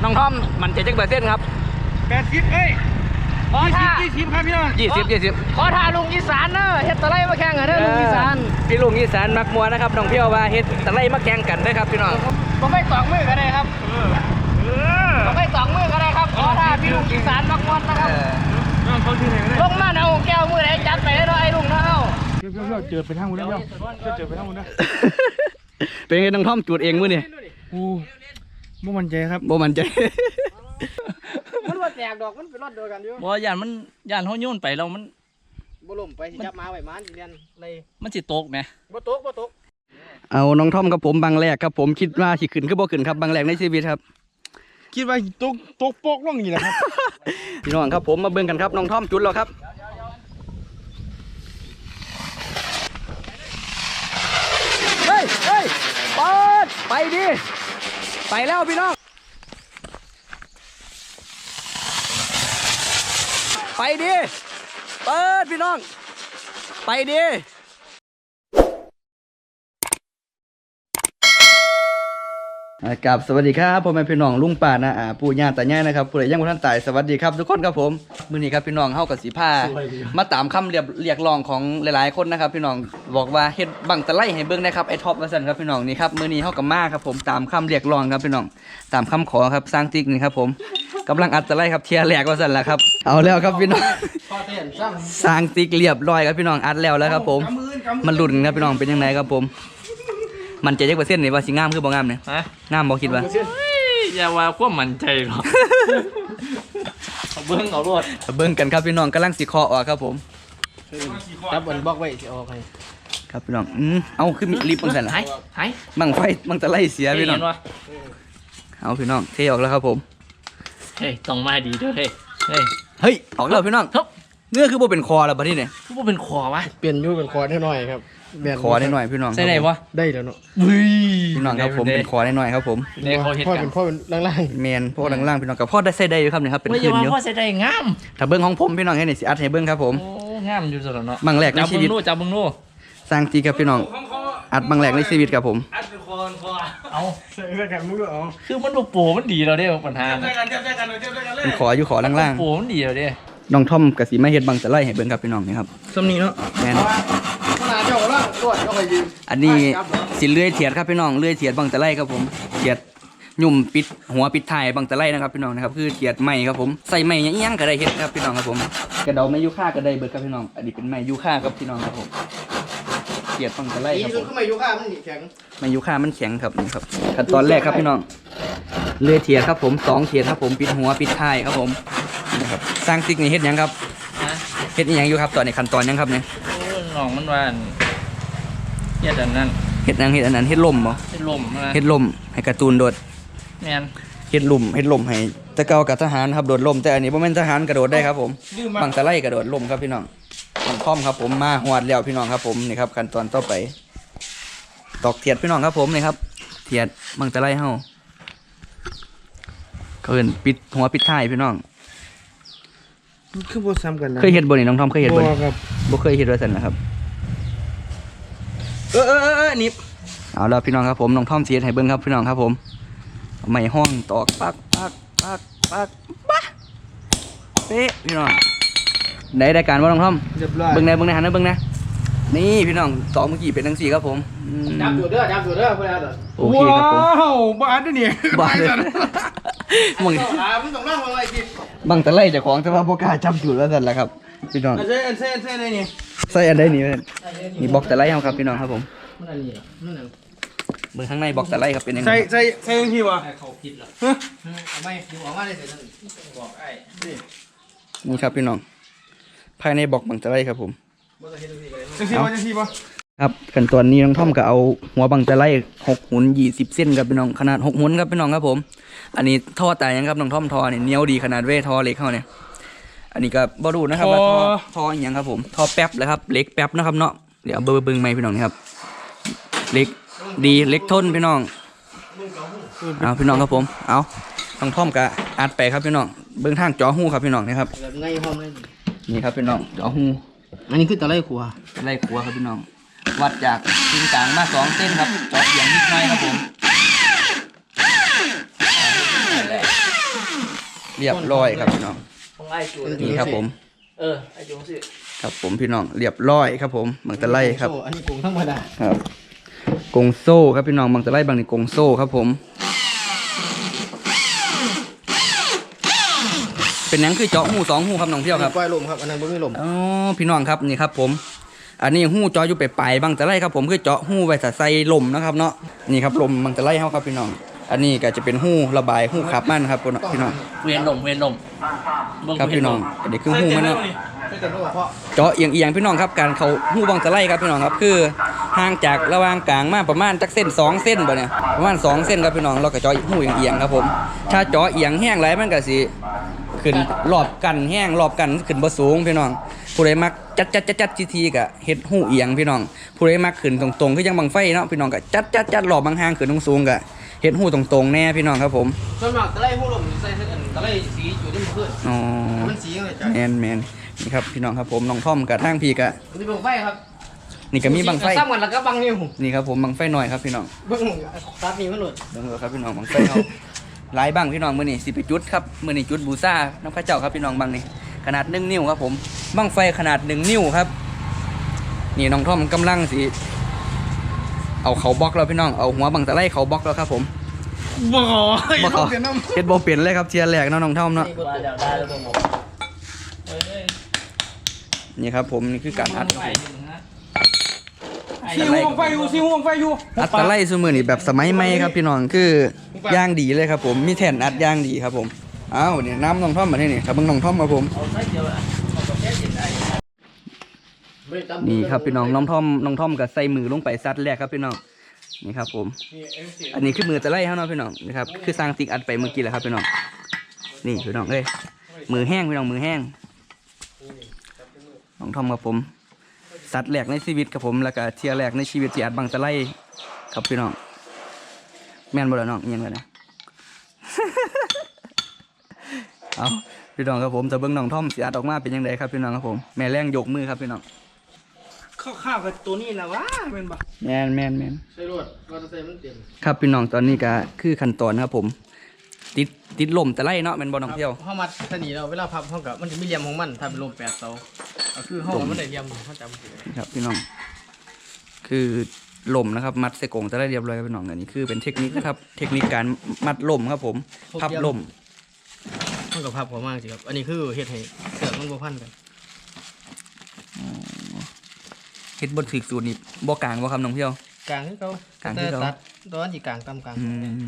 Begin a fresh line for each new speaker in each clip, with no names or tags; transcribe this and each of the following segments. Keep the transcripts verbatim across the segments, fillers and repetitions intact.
น้องทอมมันจะจักเปอร์เซ็นต์ครับ
แปดสิบเอ้ยขอท่ายี่สิบครับพี่น้อง
ยี่สิบยี่สิบ
ขอท่าลุงอีสานเนอะเฮ็ดตะไลมาแข่งกันเด้อลุงอีสาน
พี่ลุงอีสานมักมัวนะครับน้องเพียวว่าเฮ็ดตะไลมาแข่งกันได้ครับพี่น้อง
ผมไม่สองมือก็ได้ครับผมไม่สองมือก็ได้ครับขอท่าพี่ลุงอีสานมักมัวนะครับลงมาเอาแก้วมือไหนจัดไปได้ด้วยไอ้ลุงนะเอ้าเพียวเจอไปทางนู้นแล้วเจอไปทางนู้นนะ
เป็นไงน้องทอมจูดเองมื้อนี่
โอ้บ่มั่นใจครับ
บ่มั่นใจ
มันว่าแตกดอกมันเป็นรอดเดียวกันอยู่
บ่ย่านมันย่านเฮาโยนไปแล้วมัน
บ่ล่มไปสิจับมาไว้มันสิเรียนเลย
มันสิตกแหม
บ่ตกบ่ตก
เอาน้องทอมกับผมบางแรกครับผมคิดว่าสิขึ้นคือบ่ขึ้นครับบางแรกในชีวิตครับ
คิดว่าตกตกโปกลงนี่แหละครับ
พี่น้องครับผมมาเบิ่งกันครับน้องทอมจุดแล้วครับเฮ้ยเฮ้ยเปิดไปดิไปแล้วพี่น้องไปดิเปิดพี่น้องไปดิกับสวัสดีครับพ่อแม่พี่น้องลุงป่านะอ่าปู่ย่าตายายนะครับผู้ใดยังบ่ทันตายสวัสดีครับทุกคนครับผมมื้อนี้ครับพี่น้องเฮากับสีผ้ามาตามคำเรียบเรียกร้องของหลายๆคนนะครับพี่น้องบอกว่าเฮ็ดบังตะไลให้เบิ่งนะครับไอ้ท็อปว่าซั่นครับพี่น้องนี่ครับมื้อนี้เฮากับมาครับผมตามคำเรียกร้องครับพี่น้องตามคำขอครับสร้างติ๊กนี่ครับผมกำลังอัดตะไลครับเทียร์แรกว่าซั่นล่ะครับเอาแล้วครับพี่น้องสร้างติ๊กเรียบร้อยครับพี่น้องอัดแล้วแล้วครับผมมันลุ้นครับพี่น้องเป็นยังไงครับผมมันจะจักเปอร์เซ็นต์นี่ว่าสิงามคือบ่งามเนี่ยฮะงามบ่คิดว่า
อย่าว่าความมั่นใจหรอกเอาเบิ่งเอารวด
เบิ่งกันครับพี่น้องกำลังสิเคาะออกครับผม
จับอันบล็อกไว้สิออกให้
ครับพี่น้องอืมเอาคือมีลิฟต์จังซั่นล่ะ
หายหาย
บังไฟบังตะไลเสียพี่น้องเอาพี่น้องเทออกแล้วครับผม
เฮ้ยต้องมาดีด้วยเฮ้ยเฮ้ย
เฮ้ยออกแล้วพี่น้องเนื้อคือบ่เป็นคอแล้วบัดนี้เนี่ย
คือบ่เป็นคอวะ
เปลี่ยนอยู่เป็นคอได้หน่อยครับ
คอได้หน่อยพี่น้อง
ใส่ได้บ่
ได้แล้วเนาะ
พี่น้องครับผมเป็นคอได้หน่อยครับผม
พ่อเป็นพ่อเป็นล่าง
ๆแมนพ่อล่างๆพี่น้องกับพ่อได้ใส่ได้อยู่ครับเนี่ยครับเป็นคืนอยู่
พ่อใส่ได้งาม
ถ้าเบิ้งของผมพี่น้องให้นี่สิอัดให้เบิ้งครับผม
โอ้งามอยู่สุดแล้วเนาะ
บังแรกในชีวิต
จับมึงนู่
สร้างตีครับพี่น้องอัดบังแรกในชีวิตครับผม
อัดเป็นคอคอเอา
ใส่กันมึงด้วยอ๋อ
คือมันโปูมันดีเราได้ปัญหา
เป็นขออยู่ขอล่าง
ๆโปูมันดีเราได้
น้องท่อมกับสีมาเฮ็ดบังตะไลให้เบิ้งครับพี่น้องนี่ครับ
ซ้ำนี้เนาะ
แมนอันนี้สิเลื่อยเถียดครับพี่น้องเลื่อยเถียดบังตะไลครับผมเถียดยุ่มปิดหัวปิดท้ายบังตะไลนะครับพี่น้องนะครับคือเถียดไม้ครับผมใส่ไม้ยังยังก็ได้เฮ็ดครับพี่น้องครับผมกระเดาไม้ยูคาก็ได้เบิดครับพี่น้องอันนี้เป็นไม้ยูคาครับพี่น้องครับผมเถียดบังตะไลครับผม
ไม้ยูคามันแข็ง
ไม้ยูคามันแข็งครับนี่ครับขั้นตอนแรกครับพี่น้องเลื่อยเถียดครับผมสองเถียดครับผมปิดหัวปิดท้ายครับผมนะครับสร้างติ๊กนี่เฮ็ดยังครับเฮ็ดยังอยู่ครับตอนนี้ขั้นตอนยังครับเนี่ย
น้องมันว่าเฮ็ดอันนั้น
เฮ็ดยังเฮ็ดอันนั้นเฮ็ดลมบ่
เฮ็ดลม
เฮ็ดลมให้การ์ตูนโดด
แม่น
เฮ็ดลมเฮ็ดลมให้แต่เก่ากับทหารครับโดดลมแต่อันนี้บ่แม่นทหารกระโดดได้ครับผมบังตะไลกระโดดลมครับพี่น้องต้องพร้อมครับผมมาหวดแล้วพี่น้องครับผมนี่ครับขั้นตอนต่อไปตอกเทียดพี่น้องครับผมนี่ครับเทียดบังตะไลเฮาเอิ้นปิดหัวปิดท้ายพี่น้อง
คือบ่ซ้ำกันนะ
เคยเฮ็ดบ่นี่น้องทอมเคยเฮ็ดบ่บ่ครับบ่เคยเฮ็ดว่าซั่นนะครับ
เออเออเออนิบ
เอาแล้วพี่น้องครับผมน้องท่อมเสียให้เบิ้งครับพี่น้องครับผมไม่ห้องตอกปักปักปักปักป๊ะเป๊ะพี่น้องได้ได้การว่าน้องท่อมเบิ้งได้เบิ้งได้หันนะเบิ้งนะนี่พี่น้องตอกเมื่อกี้เป็นทั้งสี่ครับผม
จับตัวเด้อจับตัวเด้อเพื่อน
โอเคครับผม
ว้าวบ้านนี่
บ้านมึง
มึงต้องนั่งอะไรกิน
บังตะไลเจ้าของแต่ว่าโบกล้าจับจุดแล้วสั่นแหละครับพี่น้อง
ใส่อันใส่อันใส่อะไรนี่
ใส่อันใดนี่นี่บล็อกตะไลครับพี่น้องครับผมเบิ้งข้างในบล็อกตะไลครับเป็นยังไง
ใส่ใส่ใส่ยังที่วะ
เขาผิดหรอ
ไม่ดูออกมาได้เสร็จบอกไอ้
นี่ครับพี่น้องภายในบล็อกบังตะไลครับผม
จังที่วะจังที่วะ
ครับขั้นตอนนี้น้องท่อมก็เอาหัวบังตะไลหกหุ่นยี่สิบเส้นครับพี่น้องขนาดหกหุ่นครับพี่น้องครับผมอันนี้ท่อตายยังครับน้องท่อมท่อเนี่ยเหนียวดีขนาดเว้ท่อเล็กเข้าเนี่ยอันนี้ก็บอดูนะครับว่าท่อท่ออย่างครับผมท่อแป๊บเลยครับเล็กแป๊บนะครับเนาะเดี๋ยวเบอร์เบิ้งไหมพี่น้องครับเล็กดีเล็กทนพี่น้องเอาพี่น้องครับผมเอาน้องท่อมก็อัดไปครับพี่น้องเบิ้งทางจ่อหูครับพี่น้องนะครับนี่ครับพี่น้องจ่อหู
อันนี้คือตะไลขัว
ตะไลขัวครับพี่น้องวัดจากชิ้นกลางมาสองเส้นครับเจาะอย่างนิดหน่อยครับผมเรียบร้อยครับพี่น้อง
ของไอ้จู
นี่ครับผม
เออไอ้จูสิ
ครับผมพี่น้องเรียบร้อยครับผมบางตะไลครับ
อันนี้กุ้งธรรมดา
ครับกงโซ่ครับพี่น้องบางตะไลบางนี่กงโซ่ครับผมเป็นหยังคือเจาะหูสองหูครับน้องเที่ยวครับ
ปล่อยลมครับอันนั้นบ่มีลม
อ๋อพี่น้องครับนี่ครับผมอันนี้หูเจาะอยู่ไปปลายบางตะไลครับผมคือเจาะหูไว้ใส่ลมนะครับเนาะนี่ครับลมบางตะไลเฮาครับพี่น้องอันนี้ก็จะเป็นหูระบายหูขับมันครับพี่น้อง
เวียนลมเวียนลมเง
ครับพี่น้องอันนี้คือหูมันเนาะ
ไม่แต่ว่าเพราะ
เจาะเอียงๆพี่น้องครับการเขาหูบางตะไลครับพี่น้องครับคือห่างจากระหว่างกลางมาประมาณจักเส้นสองเส้นบ่เนี่ยประมาณสองเส้นครับพี่น้องเราก็เจาะหูเอียงๆครับผมถ้าเจาะเอียงแห้งไรมันก็สิขึ้นรอบกันแห้งรอบกันขึ้นบ่สูงพี่น้องผู้ใดมักจัดจัดจัดจัดทีๆก็เฮ็ดหูเอียงพี่น้องผู้ใดมักขึ้นตรงๆคือยังบังไฟเนาะพี่น้องก็จัดจัดจัดรอบบางห่างขึ้นสูงๆก็เฮ็ดหูตรงๆแน่พี่น้องครับผม
ส่วนมากตะไลหูลมใส่เส้นตะไลสีอยู่ที่มันขึ้น
อ๋อ
มันสีเลยจ้ะ
แมนแมนนี่ครับพี่น้องครับผมน้องท่อมกับทางพี่กะ
มันจะบังไฟครับ
นี่ก็มีบังไฟ
ซ้ำกันแล้วก็บังนิ้ว
นี่ครับผมบังไฟหน่อยครับพี่น้อง
เบิ่งตัดนี่มันหลุด
เบิ่งเลยครับพี่น้องบังไฟเขาหลายบังพี่น้องมื้อนี้สิไปจุดครับมื้อนี้จุดบูชาน้ำพระเจ้าครับพี่น้องบังนี่ขนาดหนึ่งนิ้วครับผมบังไฟขนาดหนึ่งนิ้วครับนี่น้องท่อมกำลังสิเอาเขาบล็อกแล้วพี่น้องเอาหัวบังตะไลเขาบล็อกแล้วครับผม
บ่ขอ
บ่เขาเฮ็ดบ่เปลี่ยนเลยครับเทียร์แรกเนาะน้องท่อมเนาะ
ว่าเดี๋ยวได้แล้วผมเฮ้ย
นี่ครับผมนี่คือการอัด
ไฟอยู่นะ
ซีห่วงไฟอยู่ซีห่วงไฟอยู่
อัดตะไลซุมื้อนี่แบบสมัยใหม่ครับพี่น้องคือย่างดีเลยครับผมมีแท่นอัดย่างดีครับผมอ้าวนี่น้ำน้องท่อมมาที่นี่ครับเบิ่งน้องท่อมมาผม
เอาไฟเดียวอ่ะเอากาแฟเย็นได้
นี่ครับพี่น้องน้องท่อมน้องท่อมก็ใส่มือลงไปซัดแรกครับพี่น้องนี่ครับผมอันนี้คือมือตะไลเฮาเนาะพี่น้องนะครับคือสร้างติ๊กอัดไปเมื่อกี้แหละครับพี่น้องนี่พี่น้องเอ้ยมือแห้งพี่น้องมือแห้งน้องท่อมครับผมซัดแรกในชีวิตครับผมแล้วก็เทียแรกในชีวิตที่อัดบังตะไลครับพี่น้องแม่นบ่ล่ะน้องเอียงกันนะ เอาพี่น้องครับผมจะเบิ่งน้องท่อมสิอัดออกมาเป็นยังไงครับพี่น้องครับผมแม่แรงยกมือครับพี่น้อง
ข้าวกับตัวนี้นะวะเป็นบ่
แมนแมนแมน
ใส่รถก็จะใส่มันเต็ม
ครับพี่น้องตอนนี้ก็คือขั้นตอนครับผม ติดติดลมแต่ไล่เนาะเป็นบอลท่องเที่ยว
เฮามัดสนีเราเวลาพับเฮากับมันจะมีเหลี่ยมของมันถ้าเป็นลมแปดเสาก็คือเฮามันได้เหลี่ยมเฮาจำสิ
ครับพี่น้อง คือลมนะครับ มัดใส่กรงจะได้เรียบร้อยครับพี่น้องอันนี้คือเป็นเทคนิคนะครับ เทคนิคการมัดลมครับผมพับลม
มันก็พับหัวมากสิครับอันนี้คือเฮ็ดให้เสือกมันบ่พันกัน
เฮ็ดบนถึกสูตรนี่บ่กลางบ่ครับน้องเที่ยว
กลางคือเก่าก
ลางคือเก่า
ตัดตอนที่กลางต่ำกลาง
อืม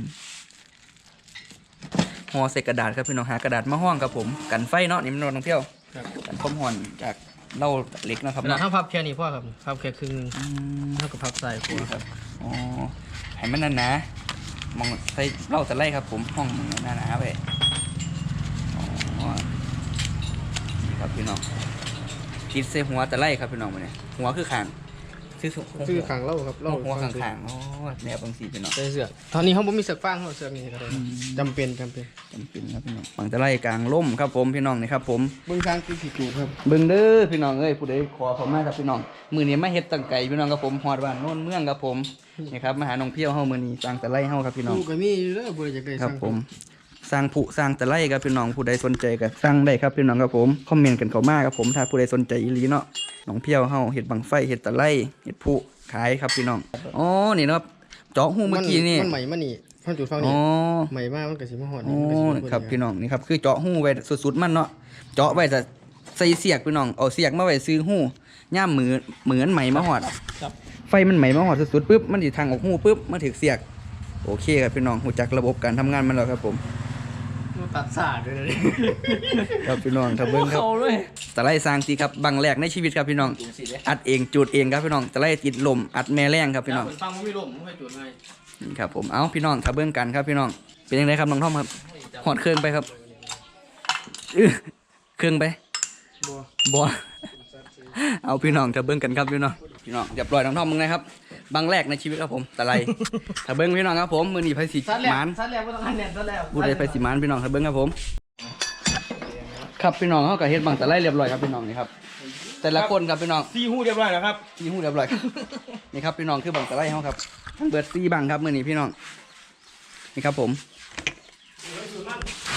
ห่อใส่กระดาษครับพี่น้องหากระดาษมาห้องครับผมกันไฟเนาะนี่มันน้องเที่ยว
ครับ
กันความห่อนจากเหล้าเหล็กนะครับ
เวลา
เนาะ
เฮาพับแค่นี้พอครับพับแค่ครึ่งนึง
อืม
เฮาก็พับใส่ขวาครับ
อ๋อให้มันหนาๆมองใส่เหล้าแต่ไล่ครับผมห้องมันหนาๆไปอ๋อนี่ครับพี่น้องคิดใส่หัวแต่ไล่ครับพี่น้องมาเนี่ยหัวคือขางคือ
คือขังเล่าครับ
หั
เล่าว
หัวขางขางๆอ๋อแนวบางสีพี่น้อง
ใส่เสือกตอนนี้เฮาบ่มีเสือกฟางเฮาเสือกนี่ก็ได้จำเป็นจำเป็น
จำเป็นครับพี่น้องบางแต่ไล่กลางล่มครับผมพี่น้องนี่ครับผม
เบิ่งทางคือสิจูบครับ
เบิ่งเด้อพี่น้องเอ้ยผู้ใดขอเขามาครับพี่น้องมือนี้มาเฮ็ดตั้งไก่พี่น้องครับผมฮอดบ้านโน่นเมืองครับผมนี่ครับมาหาน้องเพี้ยวเฮามื้อนี้สร้างแต่ไล่เฮาครับพี่น้อง
กูก็มีอยู่เด้อบ่ได้จักได้
ครับ
สั่ง
ผมสร้างผู้สร้างแต่ไล่ครับพี่น้องผู้ใดสนใจก็สร้างได้ครับพี่น้องครับผมคอมเมนต์กันเข้ามาครับผมถ้าผู้ใดสนใจอีหลีเนาะน้องเพียวเฮาเฮ็ดบังไฟเฮ็ดตะไลเฮ็ดผู้ขายครับพี่น้องอ๋อนี่เนาะเจาะหูเมื่อกี้นี่
มันใหม่มานี่พันจุดฟัง
อ๋
นี่
อ
ใหม่มากมันก็สิมาฮอด
อ๋
นี่มันก็สิ
อ
มา
ครับพี่น้องนี่ครับคือเจาะหูไว้สุดๆมันเนาะเจาะไว้จะใส่เสียกพี่น้องเอาเสียกมาไว้ซื้อหูย่ามมือเหมือนไหมมาฮอดไฟมันไหมมาฮอดสุดๆปุ๊บมันสิทางออกหูปุ๊บมันถึกเสียกโอเคครับพี่น้องรู้จักระบบการทำงานมันแล้วครับผม
มันตัดสาดด้วยนะนี่
ครับพี่น้องครับเบิ้งครับ
เขาเลย
ตะไลสร้างสีครับบังแรกในชีวิตครับพี่น้อง
จุ่มสีเลย
อัดเองจูดเองครับพี่น้องตะไลติดลมอัดแม่แรงครับพี่น้อง
ฟังมันมีลมมันไปจุดไง
นี่ครับผมเอาพี่น้องถ้าเบิ้งกันครับพี่น้องเป็นยังไงครับน้องท่อมครับหอดเครื่องไปครับอื้อเครื่องไป
บ่
บัว เอาพี่น้องถ้าเบิ้งกันครับพี่น้องพี่น้องเรียบร้อยน้องท่อมมึงนะครับบังแรกในชีวิตครับผมตะไลถ้าเบิ้งพี่น้องครับผมมือนีไฟสี
ซัดแล้ว
หมาน
ซัดแล้วบ่ต้องหันแน่นซัดแล้ว
พูดได้ไฟสีหมานพี่น้องถ้าเบิ้งครับผม ครับพี่น้องเขาก็เฮ็ดบังตะไลเรียบร้อยครับพี่น้องนี่ครับแต่ละคนครับพี่น้อง
ซีฮู้เรียบร้อยแล้วครับ
ซีหูเรียบร้อยครับ นี่ครับพี่น้องคือบังตะไลเฮาครับทั้งเบิดซีบังครับมื้อนี้พี่น้องนี่ครับผมบั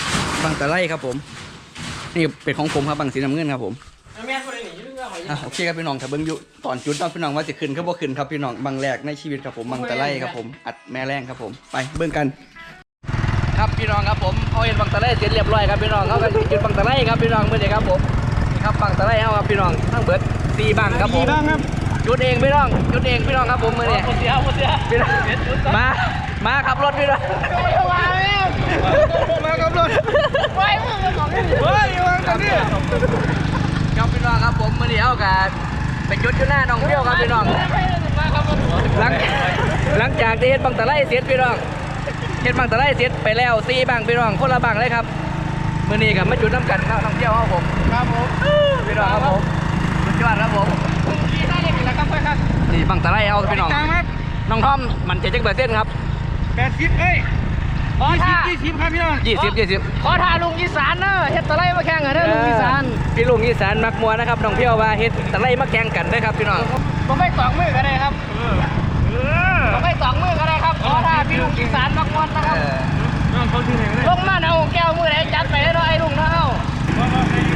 บังตะไลครับผมนี่เป็นของผมครับบังสีน้ำเงินครับผม
แม่คนไหนหนีเรื่องอะไร
อ่ะโอเคครับพี่น้องถ้าเบิ้งอยู่ตอนจุดตอนพี่น้องว่าจะขึ้นก็บ่ขึ้นครับพี่น้องบังแรกในชีวิตครับผมบังตะไลครับผมอัดแม่แรงครับผมไปเบิ้งกัน ครับพี่น้องครับผมเขาเห็นบังตะไลเสร็จเรียบร้อยครับพี่น้องเขากันจุดบังตะไลครับพี่น้องเมื่อนี้ครับผมนี่ครับบังตะไลเขาครับพี่น้องทั้งเบิดสี่บังครับผม
บ้างครับ
จุดเองพี่น้องจุดเองพี่น้องครับผมเมื่อนี้
หมดเสียหมดเสีย
พี่น้องมามาขับรถพี่น้อง
มาแล้วมากับรถไปมึงมาของนี่เฮ้ยมากับนี่
ครับพี่น้องครับผมเมื่อนี้เอากันไปจุดอยู่หน้าหนองเปรี้ยวครับพี่น้องหลังหลังจากที่เฮ็ดบังตะไลเสร็จพี่น้องเฮ็ดบังตะไลเสร็จไปแล้วสี่บังพี่น้องคนละบังเลยครับเมื่อนี้ครับมาจุดน้ำกันครับท่องเที่ยวครับผม
ครับผม
พี่น้องครับผมสุดยอดครับผม
ขี่ได้เลยแล้วครับเพื่อนครับ
นี่บังตะไลเอาพี่น้อง
กลางครับ
น้องทอมมันจะจักเปอร์เซ็นต์ครับ
แปดสิบเอ้ยขอท่ายี่สิบครับพี่น้อง
ยี่สิบยี่สิบ
ขอท่าลุงอีสานเนอะเฮ็ดตะไลมาแข่งกันเด้อลุงอีสาน
พี่ลุงอีสานมักมัวนะครับน้องเพียวว่าเฮ็ดตะไลมาแข่งกันเด้อครับพี่น้อง
ผมไม่สองมือก็ได้ครับผมไม่สองมือก็ได้ครับขอท่าพี่ลุงอีสานมักมวนนะครับลงมาเอาแก้วมือไหนจัดไปได้เนาะไอ้ลุงเนาะเอา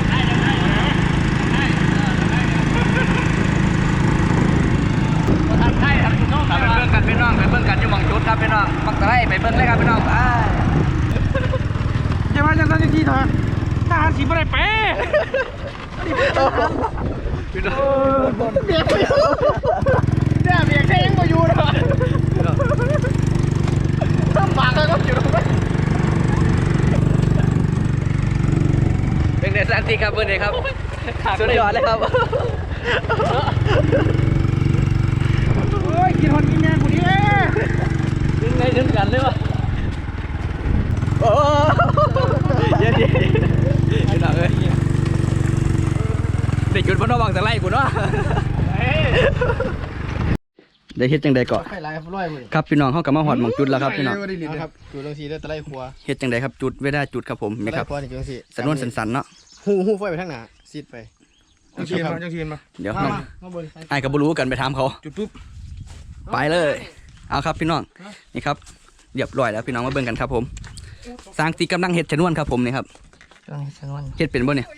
ทำไทยทำน้อง
ไปเบิ่งกันพี่น้องไปเบิ่งกันอยู่หม่องจุดครับพี่น้องบังตะไลไปเบิ่งเลยครับพี่น้องไป
จะมาจากนั้นที่เถอะทหารสีบอะไรไป
พี่น้อง
เบียกไม่อยู่เนี่ยเบียกแค่ยังไม่อยู่เลยลำบากเลยก็อยู่ตรงนั้น
เป็นเดซันติครับเบิ่งเลยครับสุดยอดเลยครับ
โอ้ยกินหอนกินแมงคนนี้เอ้ย
ถึงไงถึงกันเลยวะโอ้เย็นๆพี่น้องเอ้ยได้จุดบนนอกบังตะไลกูเนาะได้เฮ็ดจังใดก่อน
ไปไล่ร้อยมือ
ครับพี่น้องเขากลับมาหอดหมองจุดแล้วครับพี่น้อง
ครับจุดตรงสีได้ตะไลครัว
เฮ็ดจังใดครับจุดเวลาจุดครับผม
ตะ
นี่
ไล
ครับ
ครัวนี่จุดตรงสี
สนวนสันๆเนาะ
หูหูไฟไปทางหน้าซีดไปจังชีนมาจังชีนมา
เดี๋ยว
มา
น้อง
มาบน
ไอ้ายก็บ่รู้กันไปถามเขา
จุดปุ๊บ
ไปเลย เอาครับพี่น้องนี่ครับเรียบร้อยแล้วพี่น้องมาเบิ่งกันครับผมสร้างตีกำลังเฮ็ดชนวนครับผมนี่ครับ
ตรงชนวน
เฮ็ดเป็นบ่เนี่ย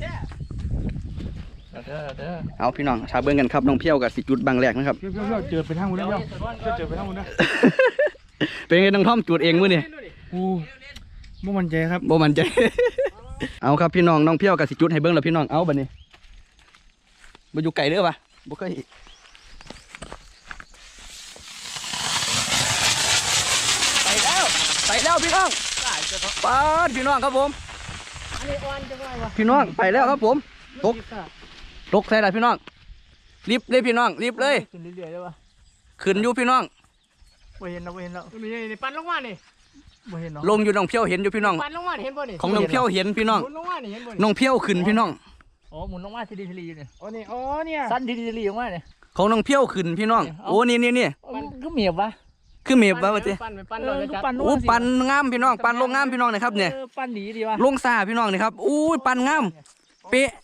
เด้อเด้อ
เอาพี่น้องถ้าเบิ่งกันครับน้องเพียวกับสิจุดบางแรกนะครับ
เพี้ยวเพี้ยวเจอไปทางนู้นแล้วเพี้ยวเจอไปทางนู้นนะ
เป็นไงน้องท่อมจุดเองมื้อนี่
โอ้บ่มั่นใจครับ
บ่มั่นใจ เอาครับพี่น้องน้องเพียวกับสิจุดให้เบิ่งแล้วพี่น้องเอาบัดนี้บ่อยู่ไกลเด้อปะบ่เคยไปแล้วไปแล้วพี่น้องปาดพี่น้องครับผม
อันนี้อ่อนจังเลยวะ
พี่น้องไปแล้วครับผมตกตกใส่ได้พี่น้องรีบเลยพี่น้องรีบเลย
ขึ้นเรื่อยๆเลยวะ
ขึ้นอยู่พี่น้อง
บ่เห็นแล้วบ่เห็นแล้วนี่นี่ปั่นลงมานี่บ่เห็นเนาะ
ลงอยู่น้องเพียวเห็นอยู่พี่น้อง
ปั่นลงมาเห็นบ่นี่
ของน้องเพียวเห็นพี่น้อง
หมุนลงมานี่เห็นบ่นี่
น้องเพียวขึ้นพี่น้อง
อ๋อหมุนลงมาทีดีทีรีอยู่เนี่ย
อ๋อนี่อ๋อเนี่ย
สั้นทีดีทีรีออกมาเนี่ย
ของน้องเพียวขึ้นพี่น้องโอ้นี่นี่นี่
มันก็เมียบวะ
คือเมฟวะวะเจ๊
ปั่นไปปั่น
เอ
เรา
อ
จะ
ก็
จัด
ปั่น
โอ้ปันงามพี่น้องปันลงงามพี่น้องนะครับเนี่ย
ออปั่นดีดีวะ
ลงซาพี่น้องนี่ครับอู้ยปันงามเป๊ะ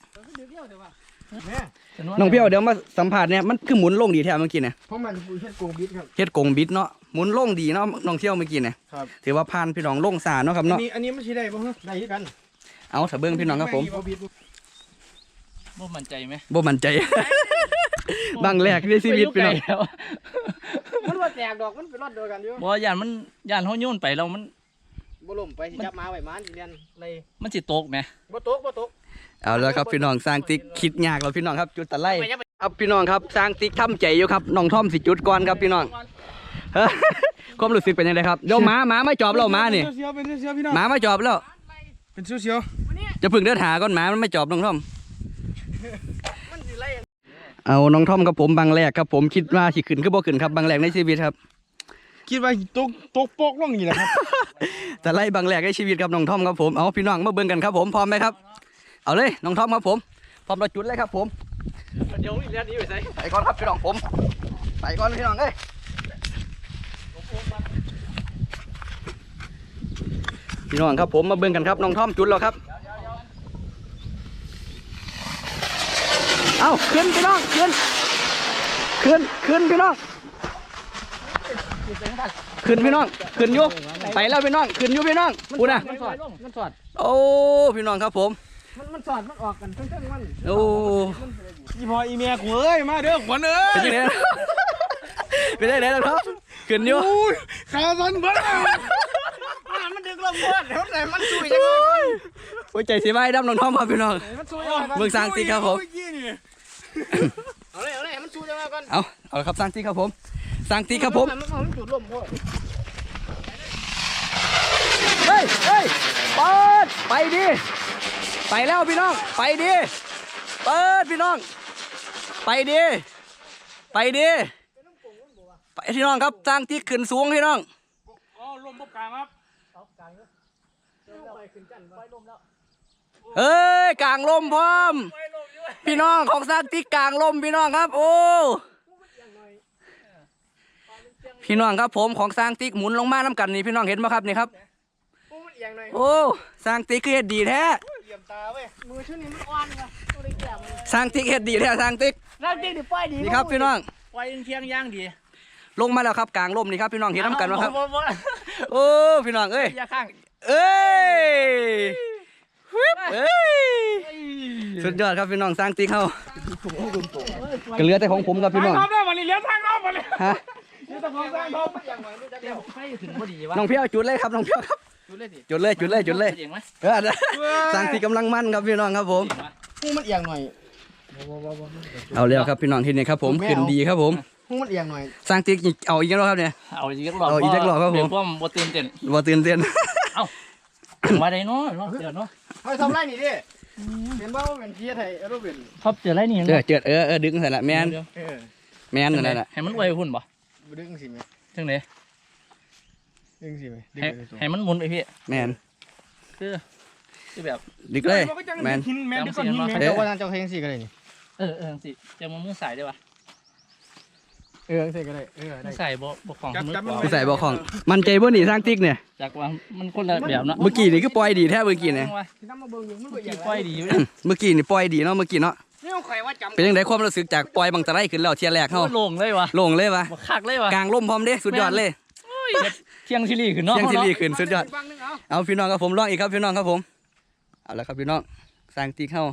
น้องเพียวเดี๋ยวมาสัมผัสเนี่ยมันคือหมุนลงดีแท้เมื่อกี้เนี่ย
เพราะมันคือเฮ็ดโกงบิดครับ
เฮ็ดกงบิดเนาะหมุนลงดีเนาะน้องเที่ยวเมื่อกี้เนี่ย
ครับ
ถือว่าผ่านพี่น้องลงซาเนาะครับ
อัน
เนาะ
นี้อันนี้มันสิได้บ่ฮะได้คือกัน
เอาถ้าเบิ่งพี่น้องครับผม
บ่บิดบ่
บ่มั่นใจไหม
บ่มั่นใจ บางแรกในชีวิตพี่น้อง
มันว่าแตกดอกมันเป็นรอดเดียวกันอยู่
บ่ย่านมันย่านเขาโยนไปแล้วมัน
บ่ล่มไปสิจับมาไว้มานสิเรียนเลย
มันสิตกไหม
บ่ตกบ่ตก
เอาแล้วครับพี่น้องสร้างติ๊กคิดยากแล้วพี่น้องครับจุดตะไลครับพี่น้องครับสร้างติ๊กทำใจอยู่ครับน้องท่อมสิจุดก่อนครับพี่น้อง เฮ้ยความรู้สึกเป็นยังไงครับเดี๋ยวหมาหมาไม่จอบแล้วหมานี่
เสียวๆเป็นเสียวๆพี่น้อง
หมาไม่จอบแล้ว
เป็นเสียว
จะพึ่งเดินหาก่อนหมามันไม่จอบน้องท่อม
ๆมันสิไล่
เอาน้องท่อมกับผมบางแรกครับผมคิดว่าสิขึ้นคือบ่ขึ้นครับบางแรกในชีวิตครับ
คิดว่าตกตกโปกลงอย่างนี้แหละครับ
แต่ไล่บางแรกในชีวิตครับน้องท่อมครับผมเอาพี่น้องมาเบิ่งกันครับผมพร้อมไหมครับเอาเลยน้องท่อมครับผมพร้อมเราจุดเลยครับผม
เดี๋ยวเรียนนี้ไปใส่
ไปก่อนครับพี่น้องผมไปก่อนพี่น้องเอ้ยพี่น้องครับผมมาเบิ่งกันครับน้องท่อมจุดแล้วครับเอาขึ้นพี่น้องขึ้นขึ้นขึ้นพี่น้องขึ้นพี่น้องขึ้นอยู่ไปแล้วพี่น้องขึ้นอยู่พี่น้องพูดนะ
มันสอดมันสอด
โอ้พี่น้องครับผม
มันมันสอดมันออกกันเพิ่งๆมัน
โอ้
อีพออีเมียกูเอ้ยมาเด้อขวัญเอ้ย
เป็นยังไงเป็นยังไงแล้วครับขึ้นอยู่
ขาสันเบิ้ลมันดึงลงเบิ้ลเดี๋ยวไหนมันซุยยังไงก่อน
โอ้ยใจสิไม่ดำน้องทอมครับพี่น้อง
มันซุยยังไงก่อน
เมืองสร้างติ๊กครับผม
เอาเลยเอาเลยมันซุยยังไงก่อน
เอาเอาละครับสร้างติ๊กครับผมสร้างติ๊กครับผม
มันมันจุดลมพ่อ
เฮ้ยเฮ้ยเปิดไปดิไปแล้วพี่น้องไปดิเปิดพี่น้องไปดิไปดิไปพี่น้องครับสร้างติ๊กขึ้นสูงพี่น้อง
อ๋อลมบกกลางครับ
เอ้ยกลางลมพร้อมพี่น้องของสร้างติ๊กกลางลมพี่น้องครับโอ้พี่น้องครับผมของสร้างติ๊กหมุนลงมาน้ำกันนี่พี่น้องเห็นไหมครับนี่ครับโอ้สร้างติ๊กคือเฮ็ดดีแท้
เหลี่ยมตาเว้ยมือชื่อนี้มันอ่อนว่ะตัวได้แก่มัน
สร้างติ๊กเฮ็ดดีแท้สร้างติ๊ก
ร่างจริงดิป้ายดี
นี่ครับพี่น้อง
ไฟเคียงย่างดี
ลงมาแล้วครับกลางลมนี่ครับพี่น้องเห็นน้ำกันไหมครับโอ้พี่น้องเอ้ย
อย่าข้าง
เอ้ยฮึบเอ้ยสุดยอดครับพี่น้องสร้างติ๊กเขาก็เหลือแต่ของผมครับพี่น้อง
ทางรอบมาเลยเลี้ยงทางรอบมาเลย
ฮะ
นี่ต้องของทางรอบเดี๋ยวไฟถึงพอดีวะ
น้องเพียวจุดเลยครับน้องเพียวครับ
ดูเลยดิ
จุดเลยจุดเลยจุดเลย
เจ๋งไหม
เออสร้างติ๊กกำลังมั่นครับพี่น้องครับผม
หูมันเอียงหน่อย
เอาแล้วครับพี่น้องที่นี่ครับผมขึ้นดีครับผม
หูมันเอียงหน่อย
สร้างติ๊กเอาอีกแล้วครับเนี่ย
เอาอีกจักรอบ
เอาอีกจักรอบครับผม
เดี๋ยวพ่อมบ่ตื่นเต้น
บ่ตื่นเต้น
มาได้เนาะเนาะเดี๋ยวเนาะ
เฮ้ยทำไรนี่ดิเห็นบ้าว่าเป็นเทียไทยเออเป็น
ครอบเจออะไรนี่
เออเจิดเออเออดึงใส่ละแมน
เออ
แมนนั่นแหละ
ให้มันไวหุ่นบ่
ดึงสิไหม
ถึงไหน
ดึงสิไหมดึง
ให้
ไปตัว
ให้มันหมุนไปพี่
แมน
คือคือแบบ
ดึกเลยแมน
แมนดึงก้อนหินแมนเจ้าว่าเจ้าเพลงสิก็ได้นี่
เออเออสิจะมามือใส่ได้ปะ
เออสิก็ได้เออ
มื
ได้
อใส่บ่บ่ของมือ
ผู้ใส่บ่ของมันใจบ่หนีสร้างติ๊กเนี่ย
จากว่ามันคนละแบบเนาะ
เมื่อกี้นี่คือปล่อยดีแท้เมื่อกี้เนี่ย
ที่น้ำมาเบิ่งอยู่มัน
เมื่
เบิ่
อง
อ
กี้
ย่าง
ปล่อยดีอยู่
เมื่อกี้นี่ปล่อยดีเนาะเมื่อกี้เนาะ
นี่ข่อยว่าจำ
เป็นยังไงความรู้สึกจากปล่อยบังตะไลขึ้นแล้วเทียแรกเฮา
โล่งเลยวะ
โล่งเลยวะ
บ่คักเลยวะ
กลางล่มพร้อมเด้สุดยอดเลย
เที่ยงชิลีขึ้นเนาะ
เที่ยงที่รีขึ้นสุดยอด
ฟังนึงเอา
เอาพี่น้องครับผมลองอีกครับพี่น้องครับผมเอาละครับพี่น้องสร้างติ๊กเฮา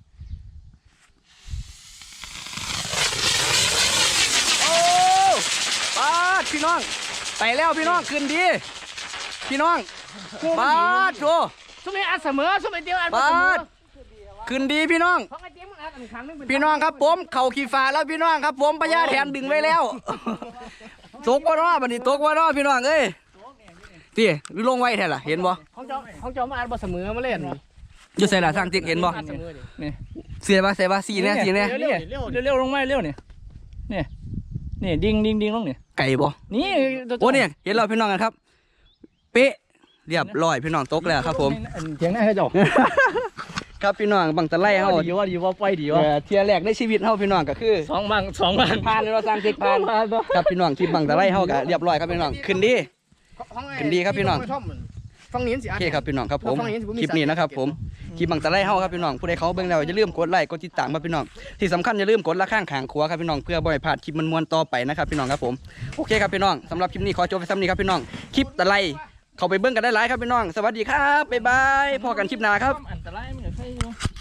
โอ้ปาดพี่น้องไปแล้วพี่น้องขึ้นดีพี่น้องปาดโถ
สุนัยอัดเสมอสุนัยเดียวอัด
ปา
เสมอ
ดขึ้นดีพี่น้อง
เพราะไอ้เจ๊มันอัดอันครั้งนึงเป็น
พี่น้องครับผมเข่าขี่ฟ้าแล้วพี่น้องครับผมพญาแถนดึงไว้แล้วตกว่าน้อบัดนี้ตกว่าน้อพี่น้องเอ้ยตีลงไว้แท้ล่ะเห็นบ่
ของเจ้าของเจ้ามาอัดบ่เสมอมาเล่น
อยู่ใส่ละสร้างติ๊กเห็นบ่
อัดเสมอดิ
นี่
เสียบ่เสียบ่สีเนี่ยสีเนี่ย
เร็วเร็วเร็วลงมาเร็วนี่นี่นี่ดิ่งดิ่งดิ่งลงนี่
ไก่บ่
นี่
โอ้เนี่ยเห็นเราพี่น้องกันครับ เป๊ะเรียบร้อยพี่น้องตกแล้วครับผม
เถียงหน้าให้จบ
ครับพี่น้องบังตะไลเฮา
ดีว่าดีว่าไปดี
เอ
ว่า
อเทียแรกในชีวิตเฮาพี่น้องก็คือ
สองบางสองบาง
ผ่านเลยเราสร้างติ๊กผ่านครับพี่น้องที่บังตะไลเฮาก็เรียบร้อยครับพี่น้องขึ้นดี ขึ้นดีครับพี่น้อง
ฟังนี้สิ
โอ
อัด
เคครับพี่น้องครับผม
เราฟังอย่างนี้ถือว่ามี
คลิปนี้นะครับผมคลิปบังตะไลเฮาครับพี่น้องผู้ใดเขาเบิ่งแล้วอย่าลืมกดไลค์กดติดตามครับพี่น้องที่สำคัญอย่าลืมกดละข้างขางขวาครับพี่น้องเพื่อบ่ให้พลาดคลิปมันมวนๆต่อไปนะครับพี่น้องครับผมโอเคครับพี่น้องสำหรับคลิปนี้ขอจบไปซ้ำนี้ครับพี่น้องคลิปตะไลเข้าไปเบิ่งกันได้หลายครับพี่น้องสวัสดีครับบ๊ายบายพอกันคลิปหน้าครับ
อันตรายมันก็ใช่